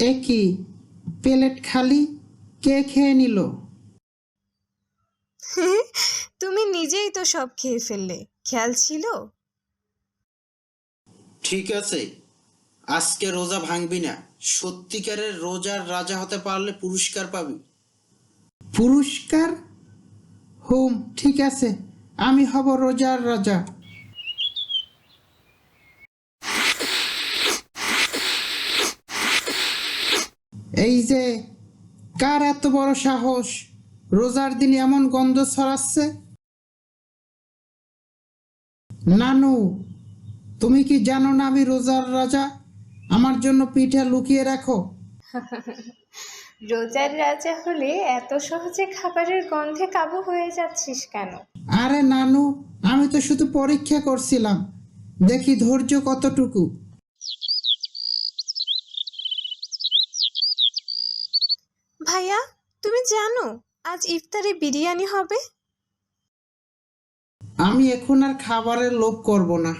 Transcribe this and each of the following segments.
এ কি, প্লেট খালি? কে খেয়ে নিল? তুমি নিজেই তো সব খেয়ে ফেললে, খেয়াল ছিল? ঠিক আছে, আজকে রোজা ভাঙবি না। সত্যিকারের রোজার রাজা হতে পারলে পুরস্কার পাবি। পুরস্কার? হুম, ঠিক আছে, আমি হব রোজার রাজা। এই যে, কার এত বড় সাহস রোজার দিন এমন গন্ধ ছড়াচ্ছে? নানু, তুমি কি জানো না আমি রোজার রাজা? আমার জন্য পিঠা লুকিয়ে রাখো। রোজার রাজা হলে এত সহজে খাবারের গন্ধে কাবু হয়ে যাচ্ছিস কেন? আরে নানু, আমি তো শুধু পরীক্ষা করছিলাম, দেখি ধৈর্য কতটুকু। ভাইয়া, তুমি জানো আজ ইফতারে বিরিয়ানি হবে? আমি এখন আর খাবারের লোভ করব না।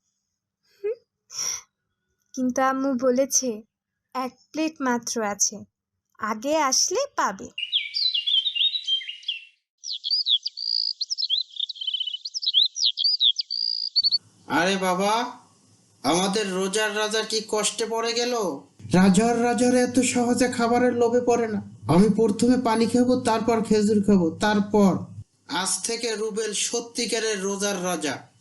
কিন্তু আম্মু বলেছে 1 প্লেট মাত্র আছে, আগে আসলে পাবে। আরে বাবা, আমাদের রোজার রাজা কি কষ্টে পড়ে গেল? রাজার এত সহজে খাবারের লোভে পড়ে না। আমি প্রথমে পানি খাবো, তারপর খেজুর খাবো, তারপর। আজ থেকে রুবেল সত্যিকারের রোজার রাজা।